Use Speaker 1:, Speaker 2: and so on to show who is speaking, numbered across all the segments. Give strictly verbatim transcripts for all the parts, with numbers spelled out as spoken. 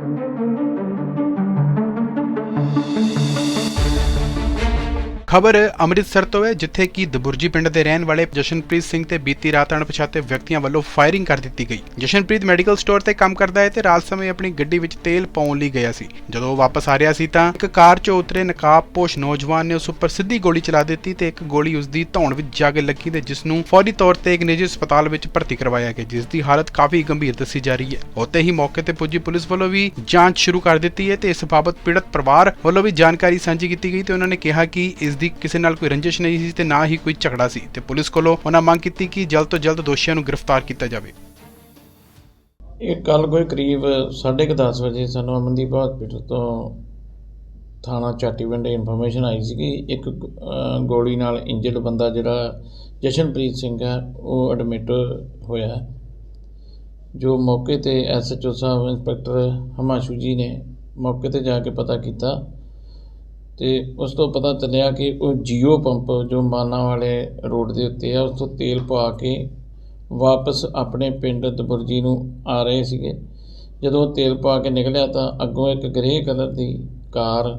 Speaker 1: खबर अमृतसर तो है, जिथे कि दबुरजी पिंड के रहने वाले जशनप्रीत सिंह ते बीती रात अणपछाते व्यक्तियों वालों फायरिंग कर दी गई। जशनप्रीत मैडिकल स्टोर ते काम करता है ते रात समय अपनी गड्डी विच तेल पाउण लई गया सी। जदों वापस आ रहा सी तां एक कार चों उतरे नकाबपोश नौजवान ने उस उपर सीधी गोली चला दी ते एक गोली उसदी धौण विच जाके लगी ते जिस नूं फौरी तौर ते एक निजी अस्पताल विच भर्ती करवाया गया, जिसदी हालत काफी गंभीर दसी जा रही है। उत्ते ही मौके ते पुजी पुलिस वालों भी जांच शुरू कर दी है ते इस बाबत पीड़ित परिवार वालों भी जानकारी साझी की गई ते उन्होंने कहा कि इसदी किसी नाल कोई रंजिश नहीं सी ते ना ही कोई झगड़ा सी ते पुलिस कोलों उन्हां मंग कीती कि जल्द तो जल्द दोषियों नूं गिरफ्तार किया जाए।
Speaker 2: एक कल कोई करीब साढ़े क दस बजे सानूं अमनदीप हॉस्पिटल तो थाना चाटीपिंड इन्फॉर्मेशन आई सी कि एक गोली नाल इंजर्ड बंदा जिहड़ा जशनप्रीत सिंह है वो एडमिट होया है। जो मौके ते एस एच ओ साहब इंस्पैक्टर हमाशू जी ने मौके ते जाके पता किया तो उस तो पता चलिया कि वो जियो पंप जो माना वाले रोड के उत्ते है उस तो तेल पा के वापस अपने पिंड दबुरजी नूं आ रहे थे। जदों तेल पा के निकलिया तो अगों एक ग्रे कलर की कार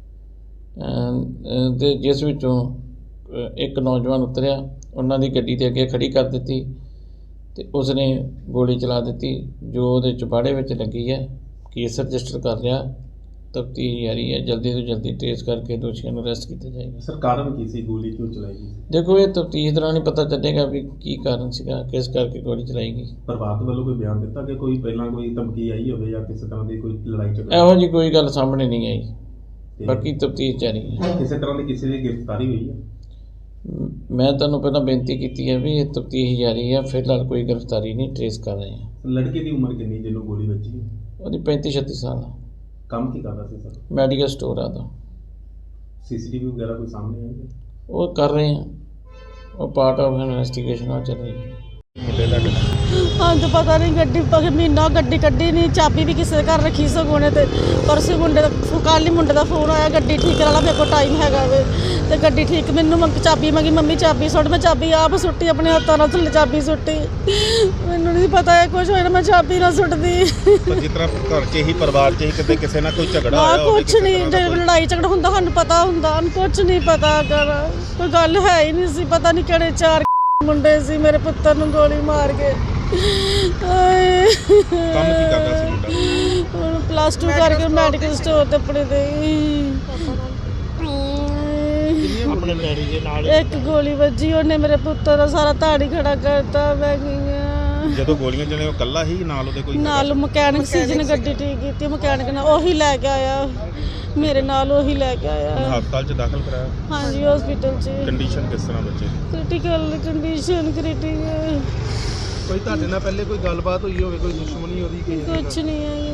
Speaker 2: दे जिस विचों एक नौजवान उतरिया उन्हां दी गड्डी दे अगे खड़ी कर दी तो उसने गोली चला दी जो उहदे चुबाड़े विच लगी है। केस रजिस्टर कर लिया, तफ्तीश जारी है, जल्दी तो जल्दी ट्रेस करके दोषियों को अरेस्ट किया जाएगा।
Speaker 3: सर कारण की सी गोली क्यों चलाई गई?
Speaker 2: देखो ये तफ्तीश दौरान ही पता चलेगा भी की कारण सीगा, किस करके गोली चलाई गई।
Speaker 3: परिवार वालों कोई बयान दिता कि कोई पहला कोई धमकी आई हो या किसी तरह की कोई लड़ाई झगड़ा?
Speaker 2: ਇਹੋ जी कोई गल सामने नहीं आई, बाकी तफ्तीश जारी है।
Speaker 3: किसी तरह की किसी की गिरफ्तारी हुई है?
Speaker 2: मैं तुहानूं पहला बेनती की है भी ये तफ्तीश जारी है, फिलहाल कोई गिरफ्तारी नहीं ट्रेस कर रहे हैं।
Speaker 3: लड़के की उम्र कितनी जिन्होंने गोली बची?
Speaker 2: वो पैंती छत्ती साल है।
Speaker 3: काम की करता सी सर?
Speaker 2: मैडिकल स्टोर है। तो
Speaker 3: सीसीटीवी वगैरह कोई सामने आई है?
Speaker 2: वो कर रहे हैं, वो पार्ट ऑफ इन्वेस्टिगेशन चल रही है।
Speaker 4: हाँ तो पता नहीं गड्डी महीना गड्डी कड्डी नहीं, चाबी भी किसी घर रखी सगोने ते परसों मुंडे का कल ही मुंडे का फोन आया गड्डी ठीक करा ला, मेरे को टाइम हैगा वे ते गड्डी ठीक मैनू मंग चाबी मंगी, मम्मी चाबी सुट, मैं चाबी आप सुट्टी अपने हत्थों नाल थल्ले चाबी सुट्टी, मैनू नहीं पता है कुछ होया मैं चाबी ना सुटदी।
Speaker 5: जिस तरह घर च ही परिवार च ही कदे किसी ना कोई झगड़ा होया होवे,
Speaker 4: कुछ नहीं लड़ाई झगड़ा हुंदा सानू पता हुंदा, कुछ नहीं पता कर कोई गल है ही नहीं सी। पता नहीं किहड़े चार मुंडे सी मेरे पुत्तर नूं गोली मार के।
Speaker 5: काम की करदा सी मुंडा?
Speaker 4: प्लस टू करके मैडिकल स्टोर ते अपने दे
Speaker 5: अपने डैडी दे नाल
Speaker 4: एक गोली वजी, उन्हें मेरे पुत्तर दा सारा ताड़ी खड़ा करता। मैं गई
Speaker 5: ਜਦੋਂ ਗੋਲੀਆਂ ਚਲੇ ਉਹ ਕੱਲਾ ਹੀ ਨਾਲ ਉਹਦੇ ਕੋਈ
Speaker 4: ਨਾਲ ਮਕੈਨਿਕ ਸੀ ਜਿਹਨੇ ਗੱਡੀ ਠੀਕ ਕੀਤੀ, ਮਕੈਨਿਕ ਨਾਲ ਉਹੀ ਲੈ ਕੇ ਆਇਆ, ਮੇਰੇ ਨਾਲ ਉਹੀ ਲੈ ਕੇ ਆਇਆ।
Speaker 5: ਹਸਪਤਾਲ 'ਚ ਦਾਖਲ ਕਰਾਇਆ?
Speaker 4: ਹਾਂਜੀ ਹਸਪੀਟਲ 'ਚ।
Speaker 5: ਕੰਡੀਸ਼ਨ ਕਿਸ ਤਰ੍ਹਾਂ ਬੱਚੇ ਦੀ?
Speaker 4: Critical condition critical.
Speaker 5: ਕੋਈ ਤੁਹਾਡੇ ਨਾਲ ਪਹਿਲੇ ਕੋਈ ਗੱਲਬਾਤ ਹੋਈ ਹੋਵੇ, ਕੋਈ ਦੁਸ਼ਮਣੀ ਉਹਦੀ ਕੋਈ?
Speaker 4: ਕੁਛ ਨਹੀਂ ਹੈ,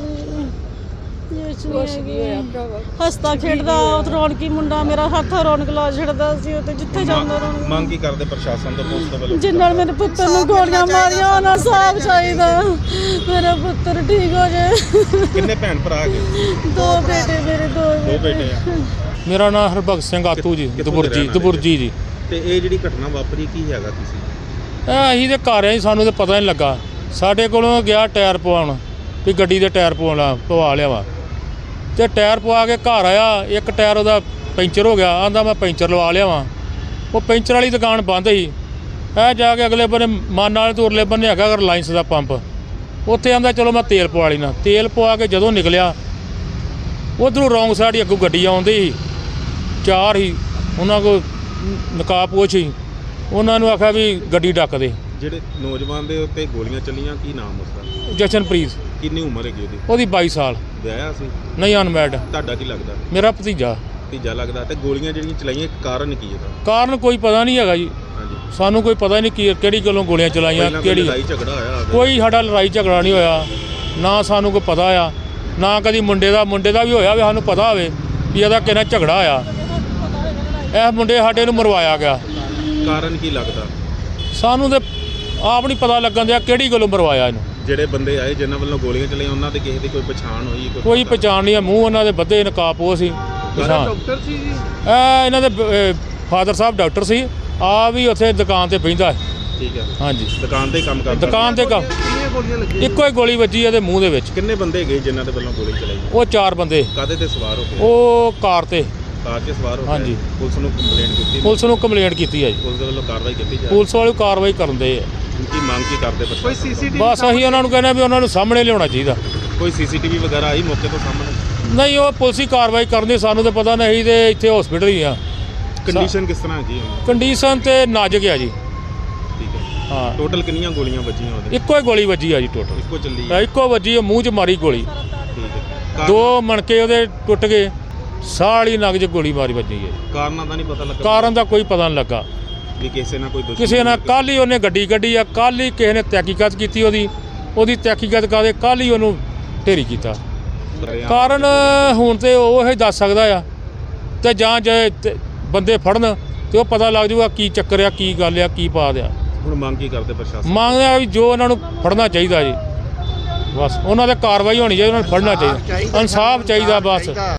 Speaker 4: ਹੱਸਦਾ ਖੇਡਦਾ ਰੌਣਕੀ ਮੁੰਡਾ ਮੇਰਾ, ਹੱਥ ਰੌਣਕ ਲਾ ਛੱਡਦਾ ਸੀ ਉਹ ਤੇ ਜਿੱਥੇ ਜਾਂਦਾ ਰੌਣਕ।
Speaker 5: ਮੰਗ ਕੀ ਕਰਦੇ ਪ੍ਰਸ਼ਾਸਨ ਤੋਂ, ਪੁਲਿਸ ਤੋਂ ਵੱਲੋਂ?
Speaker 4: ਜਿੰਨ ਨਾਲ ਮੇਰੇ ਪੁੱਤਰ ਨੂੰ ਗੋਲੀਆਂ ਮਾਰੀਆਂ ਉਹਨਾਂ ਸਾਫ ਚਾਹੀਦਾ, ਮੇਰਾ ਪੁੱਤਰ ਠੀਕ ਹੋ ਜਾਏ।
Speaker 5: ਕਿੰਨੇ ਭੈਣ ਭਰਾ ਹੈਗੇ?
Speaker 4: ਦੋ ਬੇਟੇ ਮੇਰੇ, ਦੋ
Speaker 5: ਦੋ ਬੇਟੇ ਆ।
Speaker 6: ਮੇਰਾ ਨਾਮ ਹਰਭਗਤ ਸਿੰਘ ਆਤੂ ਜੀ, ਦਬੁਰਜੀ ਦਬੁਰਜੀ ਜੀ।
Speaker 5: ਤੇ ਇਹ ਜਿਹੜੀ ਘਟਨਾ ਵਾਪਰੀ ਕੀ ਹੈਗਾ ਤੁਸੀਂ?
Speaker 6: ਇਹ ਅਸੀਂ ਤੇ ਘਰ ਆਏ, ਸਾਨੂੰ ਤੇ ਪਤਾ ਨਹੀਂ ਲੱਗਾ। ਸਾਡੇ ਕੋਲੋਂ ਗਿਆ ਟਾਇਰ ਪਵਾਉਣ ਵੀ ਗੱਡੀ ਦੇ ਟਾਇਰ ਪਵਾਉਣਾ ਪਵਾ ਲਿਆ ਵਾ, ਤੇ ਟਾਇਰ ਪਵਾ ਕੇ ਘਰ ਆਇਆ, ਇੱਕ ਟਾਇਰ ਉਹਦਾ ਪੈਂਚਰ ਹੋ ਗਿਆ, ਆਂਦਾ ਮੈਂ ਪੈਂਚਰ ਲਵਾ ਲਿਆ ਵਾਂ। ਉਹ ਪੈਂਚਰ ਵਾਲੀ ਦੁਕਾਨ ਬੰਦ ਸੀ। ਇਹ ਜਾ ਕੇ ਅਗਲੇ ਬੰਨੇ ਮਾਨ ਵਾਲੇ ਤੋਂ ਉਰਲੇ ਬੰਨੇ ਹੈਗਾ ਰਿਲਾਇੰਸ ਦਾ ਪੰਪ, ਉੱਥੇ ਆਂਦਾ ਚਲੋ ਮੈਂ ਤੇਲ ਪਵਾ ਲੈਣਾ। ਤੇਲ ਪਵਾ ਕੇ ਜਦੋਂ ਨਿਕਲਿਆ ਉੱਧਰੋਂ ਰੌਂਗ ਸਾਈਡ ਹੀ ਅੱਗੋਂ ਗੱਡੀ ਆਉਂਦੀ ਸੀ, ਚਾਰ ਹੀ ਉਹਨਾਂ ਕੋਲ ਨਕਾਬਪੋਸ਼ ਸੀ। ਉਹਨਾਂ ਨੂੰ ਆਖਿਆ ਵੀ ਗੱਡੀ ਡੱਕ ਦੇ।
Speaker 5: ਜਿਹੜੇ ਨੌਜਵਾਨ ਦੇ ਉੱਤੇ ਗੋਲੀਆਂ ਚੱਲੀਆਂ, ਕੀ ਨਾਮ ਉਸਦਾ?
Speaker 6: ਜਸ਼ਨਪ੍ਰੀਤ।
Speaker 5: ਕਿੰਨੀ ਉਮਰ ਹੈਗੀ ਉਹਦੀ?
Speaker 6: ਉਹਦੀ ਬਾਈ ਸਾਲ।
Speaker 5: ਵਿਆਹਿਆ ਸੀ?
Speaker 6: ਨਹੀਂ, ਅਨਮੈਰਿਡ।
Speaker 5: ਤੁਹਾਡਾ ਕੀ ਲੱਗਦਾ?
Speaker 6: ਮੇਰਾ ਭਤੀਜਾ।
Speaker 5: ਭਤੀਜਾ ਲੱਗਦਾ। ਤੇ ਗੋਲੀਆਂ ਜਿਹੜੀਆਂ ਚਲਾਈਆਂ ਕਾਰਨ ਕੀ ਇਹਦਾ?
Speaker 6: ਕਾਰਨ ਕੋਈ ਪਤਾ ਨਹੀਂ ਹੈਗਾ ਜੀ,
Speaker 5: ਹਾਂਜੀ
Speaker 6: ਸਾਨੂੰ ਕੋਈ ਪਤਾ ਨਹੀਂ ਕੀ ਕਿਹੜੀ ਗੱਲੋਂ ਗੋਲੀਆਂ ਚਲਾਈਆਂ, ਕਿਹੜੀ
Speaker 5: ਲੜਾਈ ਝਗੜਾ ਹੋਇਆ? ਕੋਈ
Speaker 6: ਸਾਡਾ ਲੜਾਈ ਝਗੜਾ ਨਹੀਂ ਹੋਇਆ, ਨਾ ਸਾਨੂੰ ਕੋਈ ਪਤਾ ਆ, ਨਾ ਕਦੀ ਮੁੰਡੇ ਦਾ ਮੁੰਡੇ ਦਾ ਵੀ ਹੋਇਆ ਵੀ ਸਾਨੂੰ ਪਤਾ ਹੋਵੇ ਵੀ ਇਹਦਾ ਕਿਹਨਾਂ ਝਗੜਾ ਹੋਇਆ। ਇਹ ਮੁੰਡੇ ਸਾਡੇ ਨੂੰ ਮਰਵਾਇਆ ਗਿਆ।
Speaker 5: ਕਾਰਨ ਕੀ ਲੱਗਦਾ?
Speaker 6: ਸਾਨੂੰ ਤੇ ਆਪ ਨਹੀਂ ਪਤਾ ਲੱਗਣ ਦਿਆ ਕਿਹੜੀ ਗੱਲੋਂ ਮਰਵਾਇਆ ਇਹਨੂੰ।
Speaker 5: ਜਿਹੜੇ ਬੰਦੇ ਆਏ ਜਿਨ੍ਹਾਂ ਵੱਲੋਂ ਗੋਲੀਆਂ ਚਲਾਈਆਂ ਉਹਨਾਂ ਦੇ ਕਿਸੇ ਦੀ ਕੋਈ ਪਛਾਣ ਹੋਈ?
Speaker 6: ਕੋਈ ਪਛਾਣ ਨਹੀਂ ਹੈ, ਮੂੰਹ ਉਹਨਾਂ ਦੇ ਬੱਧੇ ਨਕਾਬਪੋਸ਼ ਸੀ।
Speaker 5: ਡਾਕਟਰ ਸੀ ਜੀ?
Speaker 6: ਇਹ ਇਹਨਾਂ ਦੇ ਫਾਦਰ ਸਾਹਿਬ ਡਾਕਟਰ ਸੀ, ਆ ਵੀ ਉੱਥੇ ਦੁਕਾਨ ਤੇ ਬਹਿੰਦਾ।
Speaker 5: ਠੀਕ ਹੈ।
Speaker 6: ਹਾਂਜੀ
Speaker 5: ਦੁਕਾਨ ਤੇ ਕੰਮ ਕਰਦਾ।
Speaker 6: ਦੁਕਾਨ ਤੇ ਕੰਮ
Speaker 3: ਕਿੰਨੀਆਂ ਗੋਲੀਆਂ ਲੱਗੀਆਂ?
Speaker 6: ਇੱਕੋ ਹੀ ਗੋਲੀ ਵੱਜੀ ਇਹਦੇ ਮੂੰਹ ਦੇ ਵਿੱਚ।
Speaker 5: ਕਿੰਨੇ ਬੰਦੇ ਗਏ ਜਿਨ੍ਹਾਂ ਦੇ ਵੱਲੋਂ ਗੋਲੀ ਚਲਾਈ?
Speaker 6: ਉਹ ਚਾਰ ਬੰਦੇ।
Speaker 5: ਕਾਹਦੇ ਤੇ ਸਵਾਰ ਹੋ ਕੇ?
Speaker 6: ਉਹ ਕਾਰ ਤੇ
Speaker 5: ਕਾਰ 'ਚ ਸਵਾਰ ਹੋ ਕੇ?
Speaker 6: ਹਾਂਜੀ।
Speaker 5: ਪੁਲਿਸ ਨੂੰ ਕੰਪਲੇਂਟ ਕੀਤੀ?
Speaker 6: ਪੁਲਿਸ ਨੂੰ ਕੰਪਲੇਂਟ ਕੀਤੀ ਹੈ ਜੀ।
Speaker 5: ਪੁਲਿਸ ਦੇ ਵੱਲੋਂ ਕਾਰਵਾਈ ਕੀਤੀ ਜਾ ਰਹੀ
Speaker 6: ਪੁਲਿਸ ਵਾਲੇ ਕਾਰਵਾਈ ਕਰਨ ਦੇ ਆ।
Speaker 5: ਹੈ। ਕੀ ਮੰਗ ਕੀ ਕਰਦੇ
Speaker 3: ਕੋਈ
Speaker 5: ਪ੍ਰਸ਼ਾਸਨ ਤੋਂ?
Speaker 3: ਸੀਸੀਟੀਵੀ
Speaker 6: ਬਸ ਅਸੀਂ ਉਹਨਾਂ ਨੂੰ ਕਹਿੰਦੇ ਵੀ ਉਹਨਾਂ ਨੂੰ ਸਾਹਮਣੇ ਲਿਆਉਣਾ ਚਾਹੀਦਾ।
Speaker 5: ਕੋਈ ਸੀਸੀਟੀਵੀ ਵਗੈਰਾ ਆਈ ਮੌਕੇ ਤੋਂ ਸਾਹਮਣੇ?
Speaker 6: ਨਹੀਂ ਉਹ ਪੁਲਿਸ ਹੀ ਕਾਰਵਾਈ ਕਰਨੀ, ਸਾਨੂੰ ਤਾਂ ਪਤਾ ਨਹੀਂ ਤੇ ਇੱਥੇ ਹਸਪੀਟਲ ਹੀ ਆ।
Speaker 5: ਕੰਡੀਸ਼ਨ ਕਿਸ ਤਰ੍ਹਾਂ ਹੈਗੀ ਹੈ?
Speaker 6: ਕੰਡੀਸ਼ਨ ਤੇ ਨਾਜ਼ੁਕ ਆ ਜੀ।
Speaker 5: ਠੀਕ ਹੈ।
Speaker 6: ਹਾਂ
Speaker 5: ਟੋਟਲ ਕਿੰਨੀਆਂ ਗੋਲੀਆਂ ਵੱਜੀਆਂ ਉਹਦੇ?
Speaker 6: ਇੱਕੋ ਹੀ ਗੋਲੀ ਵੱਜੀ ਆ ਜੀ ਟੋਟਲ।
Speaker 5: ਇੱਕੋ ਚੱਲੀ ਹੈ?
Speaker 6: ਇੱਕੋ ਵੱਜੀ ਆ, ਮੂੰਹ 'ਚ ਮਾਰੀ ਗੋਲੀ।
Speaker 5: ਠੀਕ ਹੈ।
Speaker 6: ਦੋ ਮਣਕੇ ਉਹਦੇ ਟੁੱਟ ਗਏ, ਸਾਹ ਵਾਲੀ ਨਗ 'ਚ ਗੋਲੀ ਮਾਰੀ ਵੱਜੀ ਹੈ।
Speaker 5: ਕਾਰਨਾਂ ਦਾ ਨਹੀਂ ਪਤਾ ਲੱਗਾ?
Speaker 6: ਕਾਰਨ ਦਾ ਕੋਈ ਪਤਾ ਨਹੀਂ ਲੱਗਾ।
Speaker 5: ਵੀ ਕਿਸੇ ਨਾਲ ਕੋਈ ਦੁਸ਼ਮਣੀ?
Speaker 6: ਕਿਸੇ ਨਾਲ ਕੱਲ੍ਹ ਹੀ ਉਹਨੇ ਗੱਡੀ ਕੱਢੀ ਆ, ਕੱਲ੍ਹ ਹੀ ਕਿਸੇ ਨੇ ਤਹਿਕੀਕਤ ਕੀਤੀ ਉਹਦੀ ਉਹਦੀ ਤਹਿਕੀਕਤ ਕਰਦੇ ਕੱਲ੍ਹ ਹੀ ਉਹਨੂੰ ਢੇਰੀ ਕੀਤਾ। ਕਾਰਨ ਹੁਣ ਤੇ ਉਹ ਹੀ ਦੱਸ ਸਕਦਾ ਆ, ਤੇ ਜਾਂ ਜੇ ਤੇ ਬੰਦੇ ਫੜਨ ਤੇ ਉਹ ਪਤਾ ਲੱਗ ਜਾਊਗਾ ਕੀ ਚੱਕਰ ਆ, ਕੀ ਗੱਲ ਆ, ਕੀ ਪਾ ਦਿਆ।
Speaker 5: ਹੁਣ ਮੰਗ ਕੀ ਕਰਦੇ ਪ੍ਰਸ਼ਾਸਨ?
Speaker 6: ਮੰਗਦੇ ਆ ਵੀ ਜੋ ਉਹਨਾਂ ਨੂੰ ਫੜਨਾ ਚਾਹੀਦਾ ਜੀ, ਬਸ ਉਹਨਾਂ 'ਤੇ ਕਾਰਵਾਈ ਹੋਣੀ ਚਾਹੀਦੀ, ਉਹਨਾਂ ਨੂੰ ਫੜਨਾ ਚਾਹੀਦਾ, ਇਨਸਾਫ ਚਾਹੀਦਾ ਬਸ।